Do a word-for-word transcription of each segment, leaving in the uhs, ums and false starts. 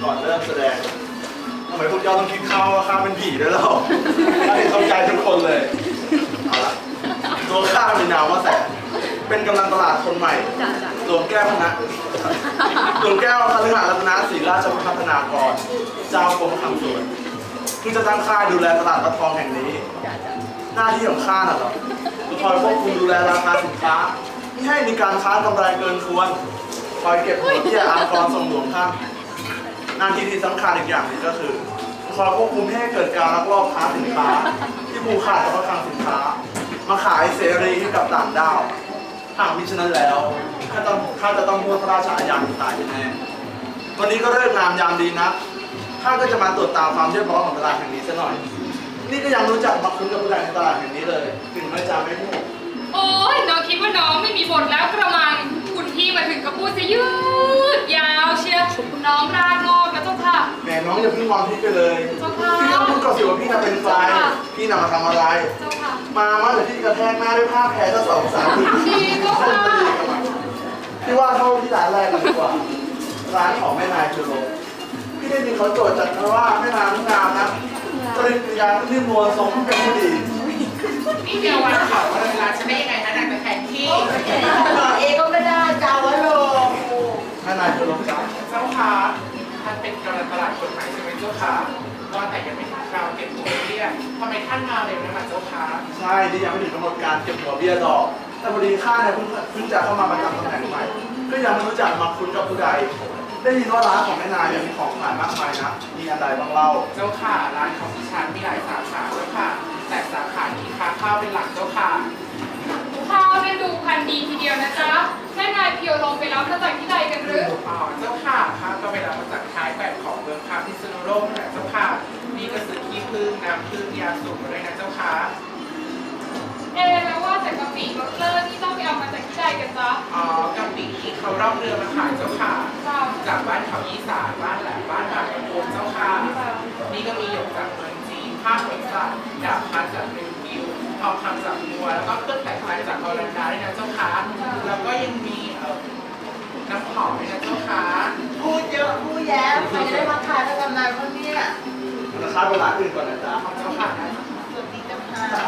ก่อนเริ่มแสดงทำไมพวกเจ้าต้องคิดข้าวว่าข้าเป็นผีด้วยเล่าข้าเห็นเข้าใจทุกคนเลยเอาละตัวข้ามีนามว่าแสนเป็นกำลังตลาดคนใหม่หลวงแก้วคณะหลวงแก้วคฤหรัตนศรีราชพัฒนากรเจ้ากรมคลังสวนที่จะตั้งค่ายดูแลตลาดวัดทองแห่งนี้หน้าที่ของข้าน่ะเหรอคอยควบคุมดูแลราคาสินค้าไม่ให้มีการค้ากำไรเกินควรคอยเก็บผลที่อากรส่งหลวงท่านหน้าที่ที่สำคัญอีกอย่างหนึงก็คือคอยควบคุมไม่ให้เกิดการลักลอบค้าสินค้าที่ผูกขาดกับวัดทางสินค้ามาขายเสรีให้กับต่างด้าวหากมิฉะนั้นแล้วข้าต้องข้าจะต้องโทษพระราชอาญาตายแน่วันนี้ก็เลิกงามยามดีนะข้าก็จะมาตรวจตามความเรียบร้อยของตลาดแห่งนี้ซะหน่อยนี่ก็ยังรู้จักมาคุ้นกับผู้ใดในตลาดแห่งนี้เลยถึงไม่จำไม่พูดโอ้ยน้องคิดว่าน้องไม่มีบทแล้วกระมังคุณพี่มาถึงก็พูดจะยืดยาวเชียวน้องรากงอกนะเจ้าค่ะแหมน้องอย่าเพิ่งมองพี่ไปเลยเจ้าค่ะพี่ต้องพูดก่อนสิว่าพี่น่ะเป็นใครพี่น่ะมาทำอะไรเจ้าค่ะมามาเดี๋ยวพี่กระแทกหน้าด้วยผ้าแพรจะสองสามทีพี่เจ้าค่ะพี่ว่าเข้าที่ร้านแรกกันดีกว่าร้านของแม่นายคือโรพี่ได้ยินเขาโจทย์จัดมาว่าแม่นางงามนะจริตวิญญาณที่นวลทรงเป็นผู้ดีนี่เดียววันเขาเวลาฉันได้ยังไงนะนางไปแทนที่เอก็ไม่ได้เจ้าวะโลแม่นายคือโรจ้าเจ้าค่ะท่านเป็นกำลังตลาดคนใหม่ใช่ไหมเจ้าค่ะว่าแต่ยังไม่ถึงคราวเก็บหัวเบี้ยทำไมท่านมาเร็วนักล่ะเจ้าค่ะใช่ที่ยังไม่ถึงกำหนดการเก็บหัวเบี้ยดอกแต่พอดีข้าเนี่ยเพิ่งเพิ่งจะเข้ามาประจำตำแหน่งใหม่ก็ยังไม่รู้จักมาคุ้นกับผู้ใดได้ยินว่าร้านของแม่นายเนี่ยมีของขายมากมายนะมีอันใดบ้างเล่าเจ้าค่ะร้านของดิฉันมีหลายสาขาเจ้าค่ะแต่สาขาที่ค้าข้าวเป็นหลักเจ้าค่ะข้าวเนี่ยดูพันธุ์ดีทีเดียวนะจ๊ะแม่นายเพียวลงไปรับมาจากที่ใดกันหรืออ๋อเจ้าค่ะข้าวก็ไปรับมาจากท้ายแบบของเมืองคาพิษณุโลกนั่นแหละเจ้าค่ะนี่ก็ซื้อขี้ผึ้งน้ำผึ้งยาสูบมาด้วยนะเจ้าค่ะเอแล้วว่าแต่กะปิรสเลิศนี่ต้องไปเอามาจากที่ใดกันจ๊ะอ๋อกะปิที่เขาร่องเรือมาขายเจ้าค่ะเจ้าจากบ้านเขาอีสานบ้านแหลมบ้านบางโพเจ้าค่ะ นี่ก็มีหยกจากเมืองจีนผ้าขนสัตว์ดาบพัดจากเมืองกิวทองคำจากมัวแล้วก็เครื่องแต่งกายจากฮอลันดาด้วยนะเจ้าค่ะแล้วก็ยังมีเอ่อน้ำหอมด้วยนะเจ้าค่ะพูดเยอะพูดแย้มใครจะได้มาขายแล้วกำไรคนเนี้ยราคาเวลาอื่นก่อนนะจ๊ะของเจ้าค่ะนะสวัสดีเจ้าค่ะ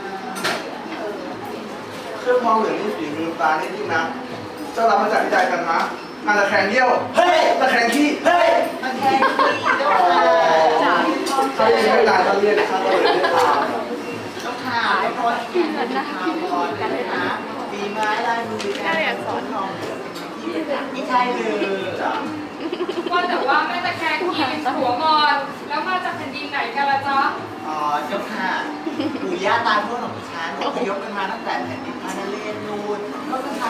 เครื่องทองเหลืองนี่ฝีมือตานี่ยิ่งนะเจ้ารับมาจากที่ใดกันนะงานตะแคงเยี่ยวเฮ้ยตะแคงขี้เฮ้ยมาแทนที่เจ้าค่ะเขาเรียกไม่นานเขาเรียกข้าก็เลยเรียกตามเจ้าค่ะแล้วพออีกอย่างนึงทาวรกันเลยนะฝีไม้ลายมือการสอนทองที่ไม่ใช่เลยจ้ะว่าแต่ว่าแม่ตะแคงที่เป็นหัวงอน แล้วมาจากแผ่นดินไหนกันล่ะจ๊ะอ๋อเจ้าค่ะปู่ย่าตายพวกของฉันอพยพกันมาตั้งแต่แผ่นดินพานาเลนนูนก็ท